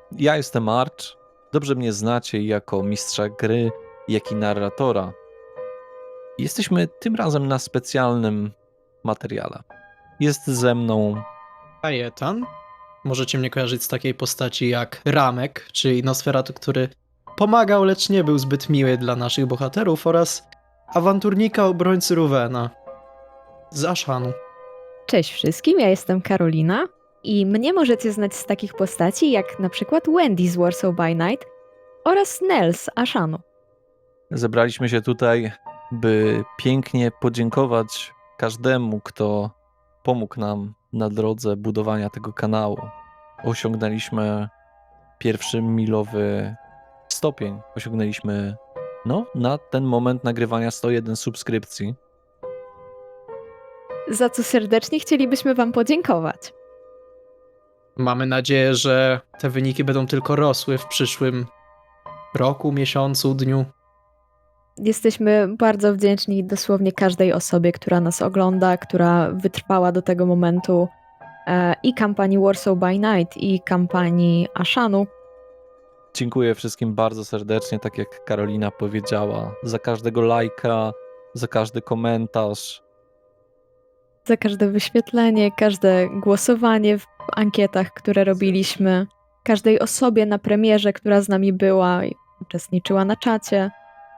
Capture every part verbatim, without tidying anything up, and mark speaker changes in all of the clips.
Speaker 1: Ja jestem Arch. Dobrze mnie znacie jako mistrza gry, jak i narratora. Jesteśmy tym razem na specjalnym materiale. Jest ze mną
Speaker 2: Kajetan. Możecie mnie kojarzyć z takiej postaci jak Ramek, czyli Nosferatu, który pomagał, lecz nie był zbyt miły dla naszych bohaterów, oraz awanturnika obrońcy Ruwena z Ashanu.
Speaker 3: Cześć wszystkim, ja jestem Karolina i mnie możecie znać z takich postaci jak na przykład Wendy z Warsaw by Night oraz Nell z Ashanu.
Speaker 1: Zebraliśmy się tutaj, by pięknie podziękować każdemu, kto pomógł nam na drodze budowania tego kanału. Osiągnęliśmy pierwszy milowy stopień. Osiągnęliśmy, no, na ten moment nagrywania sto jeden subskrypcji.
Speaker 3: Za co serdecznie chcielibyśmy wam podziękować.
Speaker 2: Mamy nadzieję, że te wyniki będą tylko rosły w przyszłym roku, miesiącu, dniu.
Speaker 3: Jesteśmy bardzo wdzięczni dosłownie każdej osobie, która nas ogląda, która wytrwała do tego momentu e, i kampanii Warsaw by Night, i kampanii Ashanu.
Speaker 1: Dziękuję wszystkim bardzo serdecznie, tak jak Karolina powiedziała, za każdego lajka, za każdy komentarz.
Speaker 3: Za każde wyświetlenie, każde głosowanie w ankietach, które robiliśmy, każdej osobie na premierze, która z nami była i uczestniczyła na czacie.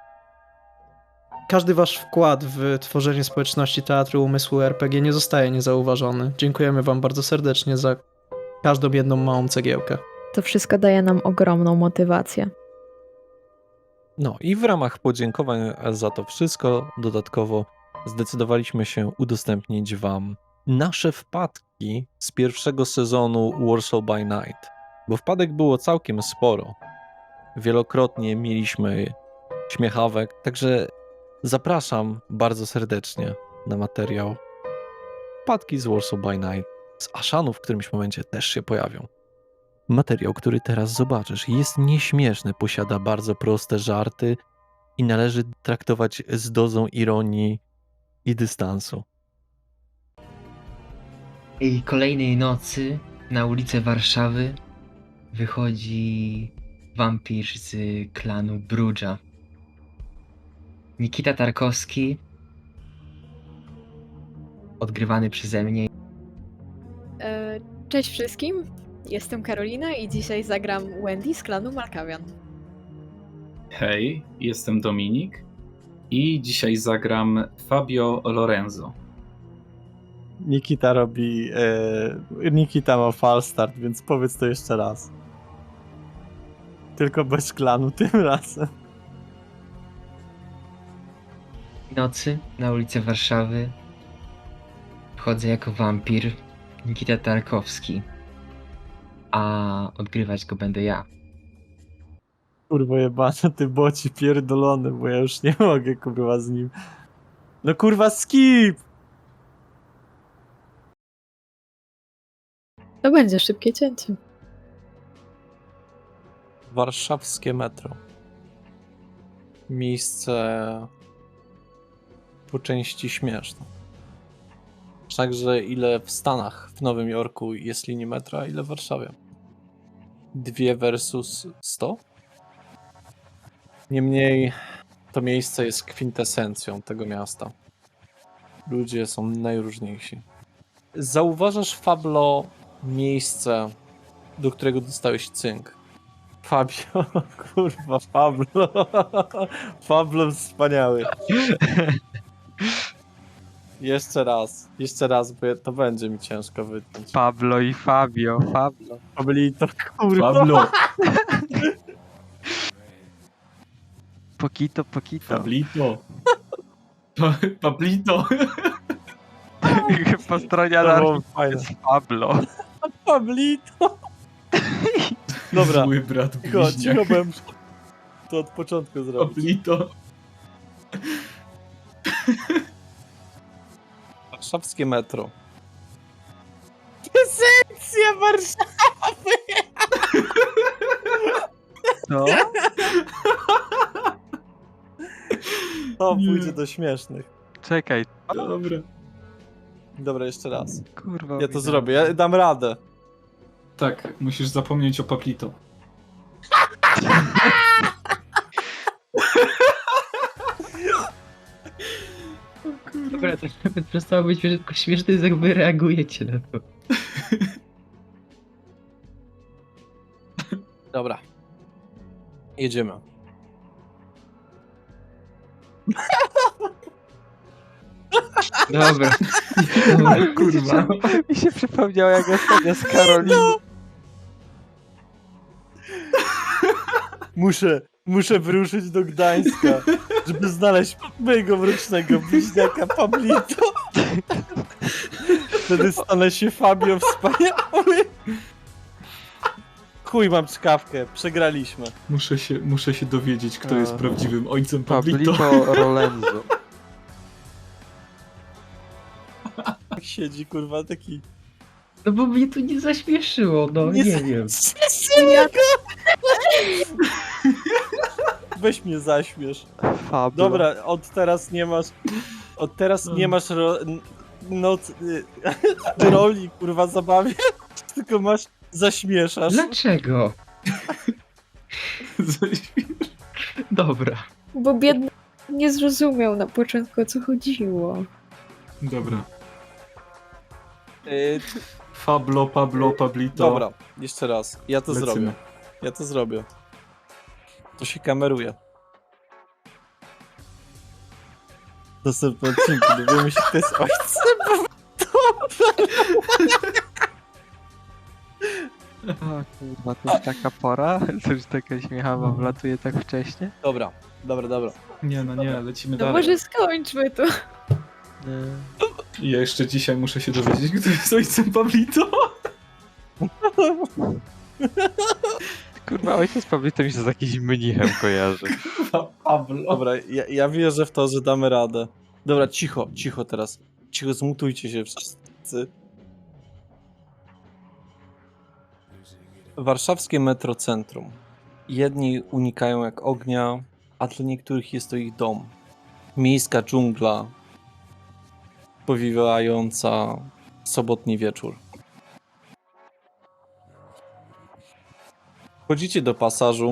Speaker 2: Każdy wasz wkład w tworzenie społeczności Teatru Umysłu R P G nie zostaje niezauważony. Dziękujemy wam bardzo serdecznie za każdą jedną małą cegiełkę.
Speaker 3: To wszystko daje nam ogromną motywację.
Speaker 1: No i w ramach podziękowań za to wszystko dodatkowo zdecydowaliśmy się udostępnić wam nasze wpadki z pierwszego sezonu Warsaw by Night, bo wpadek było całkiem sporo. Wielokrotnie mieliśmy śmiechawek, także zapraszam bardzo serdecznie na materiał. Wpadki z Warsaw by Night, z Ashanu w którymś momencie też się pojawią. Materiał, który teraz zobaczysz, jest nieśmieszny, posiada bardzo proste żarty i należy traktować z dozą ironii i dystansu.
Speaker 4: I kolejnej nocy na ulicę Warszawy wychodzi wampir z klanu Brudża. Nikita Tarkowski, odgrywany przeze mnie.
Speaker 3: E, Cześć wszystkim, jestem Karolina i dzisiaj zagram Wendy z klanu Malkawian.
Speaker 5: Hej, jestem Dominik i dzisiaj zagram Fabio Lorenzo.
Speaker 6: Nikita robi. E, Nikita ma falstart, więc powiedz to jeszcze raz. Tylko bez klanu tym razem.
Speaker 4: Nocy na ulicę Warszawy wchodzę jako wampir Nikita Tarkowski, a odgrywać go będę ja.
Speaker 6: Kurwa jebana, ty boci pierdolony, bo ja już nie mogę kurwa z nim. No kurwa skip!
Speaker 3: To będzie szybkie cięcie.
Speaker 1: Warszawskie metro. Miejsce po części śmieszne. Także ile w Stanach, w Nowym Jorku jest linii metra, ile w Warszawie? Dwie versus sto? Niemniej to miejsce jest kwintesencją tego miasta. Ludzie są najróżniejsi. Zauważasz, Fablo, miejsce, do którego dostałeś cynk.
Speaker 6: Fabio, kurwa, Pablo. Pablo wspaniały. Jeszcze raz, jeszcze raz, bo to będzie mi ciężko wytnąć.
Speaker 7: Pablo i Fabio, Pablo.
Speaker 6: Pablito, kurwa.
Speaker 5: Pablo,
Speaker 7: Pokito, pokito.
Speaker 5: Pablito. Pa, Pablito.
Speaker 7: Po stronie
Speaker 6: To było
Speaker 7: anarchii
Speaker 6: fajne.
Speaker 7: jest Pablo.
Speaker 6: Pablito. Dobra,
Speaker 5: Zły brat
Speaker 6: cicho,
Speaker 5: bliźniak.
Speaker 6: cicho byłem. To od początku zrobić.
Speaker 5: Pablito.
Speaker 1: Warszawskie metro.
Speaker 6: Esencja Warszawy!
Speaker 7: Co?
Speaker 6: To
Speaker 5: Nie.
Speaker 6: pójdzie do śmiesznych.
Speaker 7: Czekaj.
Speaker 5: Dobra.
Speaker 6: Dobra, jeszcze raz.
Speaker 7: Kurwa.
Speaker 6: Ja to zrobię, ja dam radę.
Speaker 5: Tak, musisz zapomnieć o Pablito.
Speaker 4: Dobra, to nawet przestało być śmieszne, tylko śmieszne jest, jak wy reagujecie na to.
Speaker 1: Dobra. Jedziemy.
Speaker 4: Dobra. Dobra, kurwa.
Speaker 7: Mi się przypomniało jak ostatnio z Karoliną.
Speaker 6: Muszę, muszę wyruszyć do Gdańska, żeby znaleźć mojego mrocznego bliźniaka Pablito. Wtedy stanę się Fabio wspaniały. Chuj, mam czkawkę, przegraliśmy.
Speaker 5: Muszę się, muszę się dowiedzieć, kto jest
Speaker 7: A.
Speaker 5: prawdziwym ojcem Pablito.
Speaker 7: Pablito Rolenzo.
Speaker 6: Tak siedzi, kurwa, taki...
Speaker 4: No bo mnie tu nie zaśmieszyło, no nie, wiem.
Speaker 6: Weź mnie zaśmiesz.
Speaker 7: Fablo.
Speaker 6: Dobra, od teraz nie masz... Od teraz nie masz ro... n- noc... y, roli, kurwa, zabawie, tylko masz... Zaśmieszasz.
Speaker 4: Dlaczego? Dobra.
Speaker 3: Bo biedny nie zrozumiał na początku, o co chodziło.
Speaker 5: Dobra.
Speaker 6: Y,
Speaker 5: Fablo, Pablo, Pablito.
Speaker 6: Dobra, jeszcze raz. Ja to
Speaker 5: Lecimy.
Speaker 6: zrobię. Ja to zrobię. To się kameruje. W następnym odcinku dowiemy się, kto jest ojcem.
Speaker 7: O kurwa, to już taka pora? To już taka śmiechawa wlatuje tak wcześnie?
Speaker 6: Dobra, dobra, dobra.
Speaker 5: Nie, no nie, lecimy
Speaker 3: No
Speaker 5: dalej.
Speaker 3: może skończmy to.
Speaker 7: Nie.
Speaker 5: Ja jeszcze dzisiaj muszę się dowiedzieć, kto jest ojcem Pablito.
Speaker 7: Kurwa, ojciec Pablito mi się z jakimś mnichem kojarzy.
Speaker 5: Pablo.
Speaker 6: Dobra, ja, ja wierzę w to, że damy radę. Dobra, cicho, cicho teraz. Cicho, zmutujcie się wszyscy. Warszawskie metrocentrum. Jedni unikają jak ognia, a dla niektórych jest to ich dom. Miejska dżungla, powiewająca sobotni wieczór. Wchodzicie do pasażu.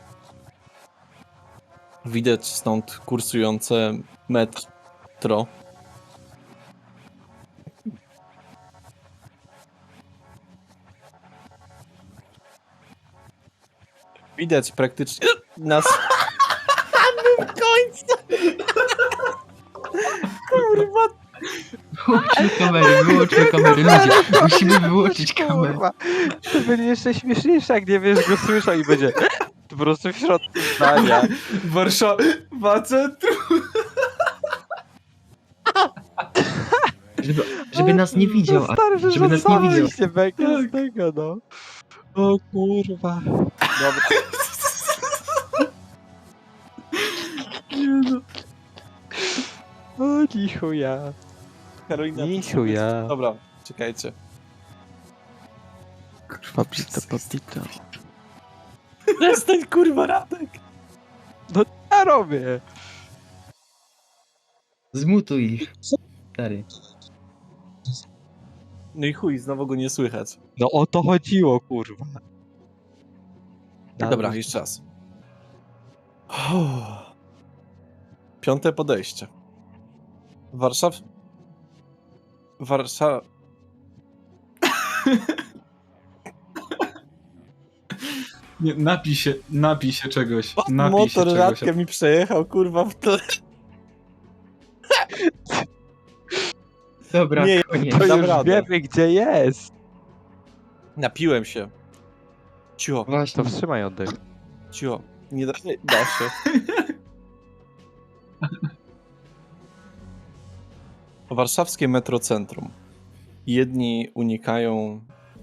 Speaker 6: Widać stąd kursujące metro. Widać praktycznie na samym końcu. Kurwa.
Speaker 4: Wyłączmy kamery, wyłączmy kamery, ludzie. Musimy wyłączyć kamerę.
Speaker 7: Kurwa, to będzie jeszcze śmieszniejsze, jak nie wiesz, go słyszał i będzie po prostu w środku zdania.
Speaker 5: Warszawa centrum.
Speaker 4: Żeby, żeby nas nie widział, a
Speaker 7: Stary, że
Speaker 4: żeby nas nie widział.
Speaker 7: się bekę z tego, no. O kurwa.
Speaker 6: Dobra.
Speaker 7: O nichuja.
Speaker 6: Karolina.
Speaker 7: Nichuja.
Speaker 6: Dobra, czekajcie.
Speaker 7: Pablito, Pablito.
Speaker 6: Przestań, kurwa, Radek.
Speaker 7: Ja robię.
Speaker 4: Zmutuj ich. Stary.
Speaker 6: No i chuj, znowu go nie słychać.
Speaker 7: No o to chodziło, kurwa.
Speaker 6: Dobra, jeszcze raz. Uff. Piąte podejście. Warszaw... Warszawa...
Speaker 5: Nie, napij się, napij się czegoś. Napij się
Speaker 6: Motor
Speaker 5: czegoś.
Speaker 6: Radka mi przejechał, kurwa, w tle.
Speaker 4: Dobra,
Speaker 6: Nie,
Speaker 4: koniec.
Speaker 7: To
Speaker 6: dam
Speaker 7: już
Speaker 6: radę.
Speaker 7: wiemy, gdzie jest.
Speaker 6: Napiłem się. Cicho,
Speaker 7: To
Speaker 4: Właśnie.
Speaker 7: wstrzymaj oddech.
Speaker 6: cicho. Nie da, nie da się. Warszawskie metrocentrum. Jedni unikają...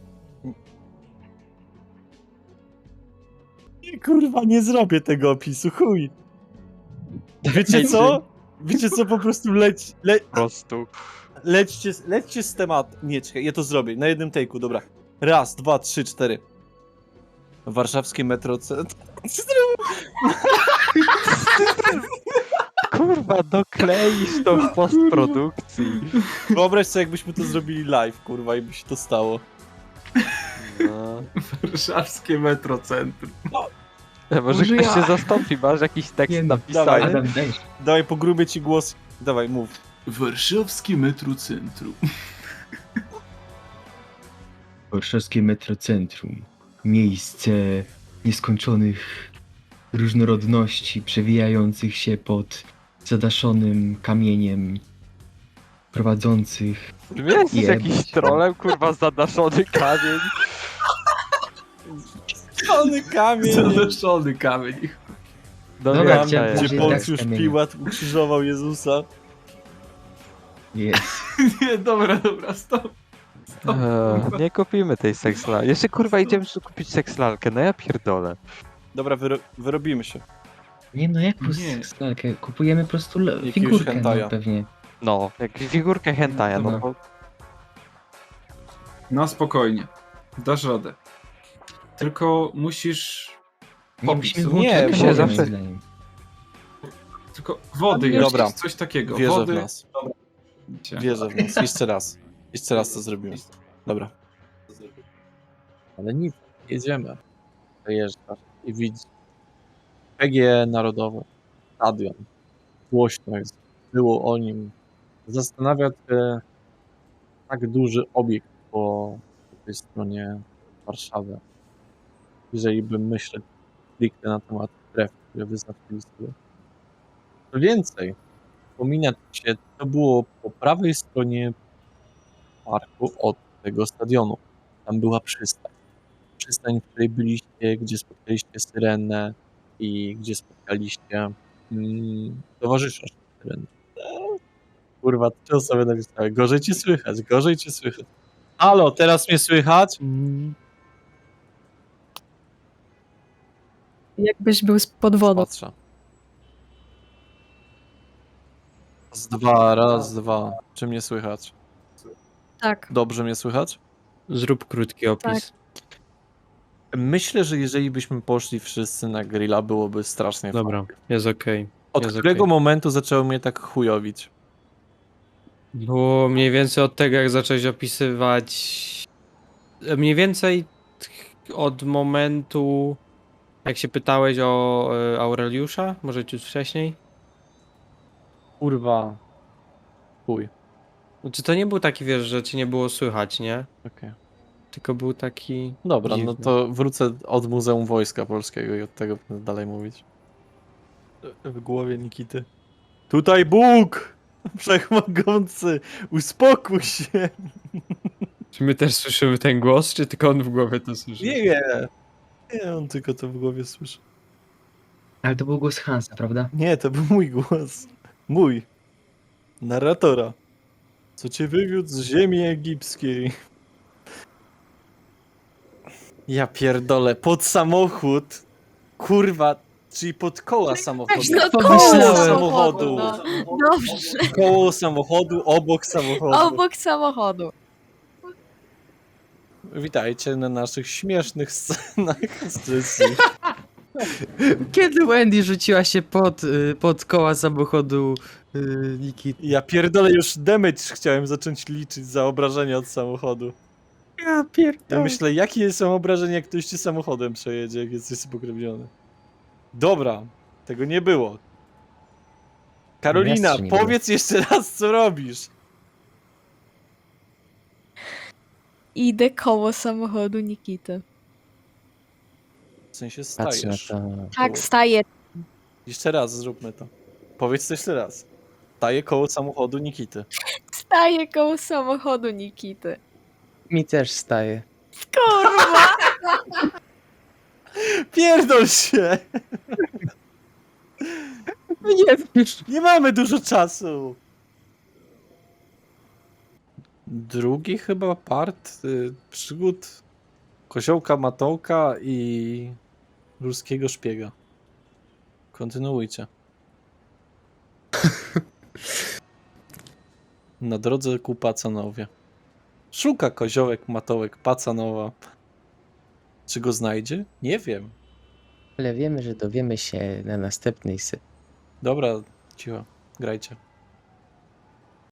Speaker 6: Nie, kurwa, nie zrobię tego opisu, chuj. Wiecie co? Wiecie co, po prostu leć, le,
Speaker 7: Po prostu.
Speaker 6: lećcie, lećcie z tematu. Nie, czekaj, ja to zrobię, na jednym take'u, dobra. Raz, dwa, trzy, cztery. Warszawskie metrocentrum.
Speaker 7: Kurwa, dokleisz to w postprodukcji.
Speaker 6: Wyobraź sobie, jakbyśmy to zrobili live, kurwa, i by się to stało.
Speaker 7: No.
Speaker 5: Warszawskie metrocentrum.
Speaker 7: Może
Speaker 4: Może
Speaker 7: ktoś
Speaker 4: ja.
Speaker 7: się zastąpi, masz jakiś tekst
Speaker 4: Nie no,
Speaker 7: napisany?
Speaker 6: dawaj.
Speaker 4: Adam, daj.
Speaker 6: Dawaj, pogrubię ci głos. Dawaj, mów.
Speaker 5: Warszawskie Metrocentrum.
Speaker 4: Warszawskie Metrocentrum. Miejsce nieskończonych różnorodności przewijających się pod zadaszonym kamieniem, prowadzących.
Speaker 7: Jesteś
Speaker 4: Jebać.
Speaker 7: jakiś trolem, kurwa, zadaszony kamień.
Speaker 6: Szony kamień,
Speaker 5: Zadaszony kamień.
Speaker 7: No
Speaker 4: Dobra,
Speaker 7: wiem,
Speaker 4: chciałem
Speaker 7: to
Speaker 6: gdzie
Speaker 7: jest.
Speaker 4: powiedzieć-
Speaker 6: Poncjusz
Speaker 4: tak z kamienia.
Speaker 6: Piłat ukrzyżował Jezusa.
Speaker 4: Jest.
Speaker 5: Nie, dobra, dobra, stop. stop.
Speaker 7: Eee, nie kupimy tej sekslalki. Jeszcze kurwa idziemy kupić sekslalkę, no ja pierdolę.
Speaker 6: Dobra, wyro wyrobimy się.
Speaker 4: Nie no, jak
Speaker 5: Nie.
Speaker 4: skalkę? Kupujemy po prostu le-
Speaker 6: Jakiegoś
Speaker 4: figurkę,
Speaker 6: hentaja.
Speaker 4: no pewnie.
Speaker 7: No, jak figurkę hentaja, no
Speaker 4: No.
Speaker 7: bo...
Speaker 5: No spokojnie. Dasz radę. Tylko musisz...
Speaker 4: Nie,
Speaker 5: Popis.
Speaker 4: musimy
Speaker 6: Nie,
Speaker 4: włączyć
Speaker 7: się
Speaker 4: kamerę,
Speaker 7: zawsze-
Speaker 4: moim zdaniem.
Speaker 5: Tylko wody
Speaker 6: Dobra.
Speaker 5: jeszcze, coś takiego.
Speaker 6: Wierzę
Speaker 5: wody.
Speaker 6: w nas. Wierzę w nas. Jeszcze raz. Jeszcze raz to zrobimy. Dobra. Ale nic. Jedziemy. Dojeżdżasz i widzisz. P G E Narodowe. Stadion. Głośno jest. Było o nim. Zastanawia cię tak duży obiekt po tej stronie Warszawy. Jeżeli bym myśleć stricte na temat stref, które wyznaczyli sobie. Co więcej, wspomina się, to było po prawej stronie parku od tego stadionu. Tam była przystań. Przystań, w której byliście, gdzie spotkaliście Syrenę i gdzie spotkaliście mm, towarzysza Syreny. Eee, Kurwa, trzy osoby napisały. Gorzej cię słychać, gorzej cię słychać. Halo, teraz mnie słychać? Mm,
Speaker 3: Jakbyś był pod wodą.
Speaker 6: Patrzę. Raz, dwa, raz, dwa. Czy mnie słychać?
Speaker 3: Tak.
Speaker 6: Dobrze mnie słychać?
Speaker 2: Zrób krótki opis.
Speaker 6: Myślę, że jeżeli byśmy poszli wszyscy na grilla, byłoby strasznie
Speaker 2: Dobra,
Speaker 6: fajnie.
Speaker 2: jest okej.
Speaker 6: Od
Speaker 2: jest
Speaker 6: którego
Speaker 2: okej.
Speaker 6: momentu zaczęło mnie tak chujowić?
Speaker 2: Było mniej więcej od tego, jak zacząłeś opisywać. Mniej więcej od momentu, jak się pytałeś o e, Aureliusza, może ciut wcześniej?
Speaker 6: Kurwa. Chuj.
Speaker 2: Znaczy to nie był taki, wiesz, że cię nie było słychać, nie?
Speaker 6: Okej.
Speaker 2: Tylko był taki...
Speaker 6: Dobra,
Speaker 2: Dziwne.
Speaker 6: no to wrócę od Muzeum Wojska Polskiego i od tego będę dalej mówić. W głowie Nikity. Tutaj Bóg! Wszechmogący! Uspokój się!
Speaker 2: Czy my też słyszymy ten głos, czy tylko on w głowie to słyszy?
Speaker 6: Nie, nie. Nie, on tylko to w głowie słyszy.
Speaker 4: Ale to był głos Hansa, prawda?
Speaker 6: Nie, to był mój głos. Mój. Narratora. Co cię wywiódł z ziemi egipskiej. Ja pierdolę, pod samochód. Kurwa, czyli pod koła samochodu.
Speaker 3: No koło
Speaker 2: Pomyślałem.
Speaker 3: samochodu, no. Dobrze.
Speaker 6: Koło samochodu, obok samochodu.
Speaker 3: Obok samochodu.
Speaker 6: Witajcie na naszych śmiesznych scenach z Jessie.
Speaker 2: Kiedy Wendy rzuciła się pod, y, pod koła samochodu y, Nikity?
Speaker 6: Ja pierdolę, już damage chciałem zacząć liczyć za obrażenia od samochodu.
Speaker 2: Ja
Speaker 6: Ja
Speaker 2: pierdolę.
Speaker 6: myślę, jakie są obrażenia, jak ktoś ci samochodem przejedzie, jak jesteś spokrewniony. Dobra, tego nie było. Karolina,
Speaker 4: Jasne, nie było.
Speaker 6: powiedz jeszcze raz, co robisz.
Speaker 3: Idę koło samochodu Nikity.
Speaker 6: W sensie
Speaker 7: Patrz na
Speaker 6: stajesz.
Speaker 7: to.
Speaker 3: Tak, staję.
Speaker 6: Jeszcze raz zróbmy to. Powiedz to jeszcze raz. Staję koło samochodu Nikity.
Speaker 3: Staję koło samochodu Nikity.
Speaker 7: Mi też staje.
Speaker 3: Kurwa!
Speaker 6: Pierdol się!
Speaker 2: Nie wiesz.
Speaker 6: Nie mamy dużo czasu. Drugi chyba part y, przygód Koziołka Matołka i ruskiego szpiega. Kontynuujcie. Na drodze ku Pacanowie. Szuka Koziołek Matołek Pacanowa. Czy go znajdzie? Nie wiem.
Speaker 7: Ale wiemy, że dowiemy się na następnej se...
Speaker 6: Dobra, cicho. Grajcie.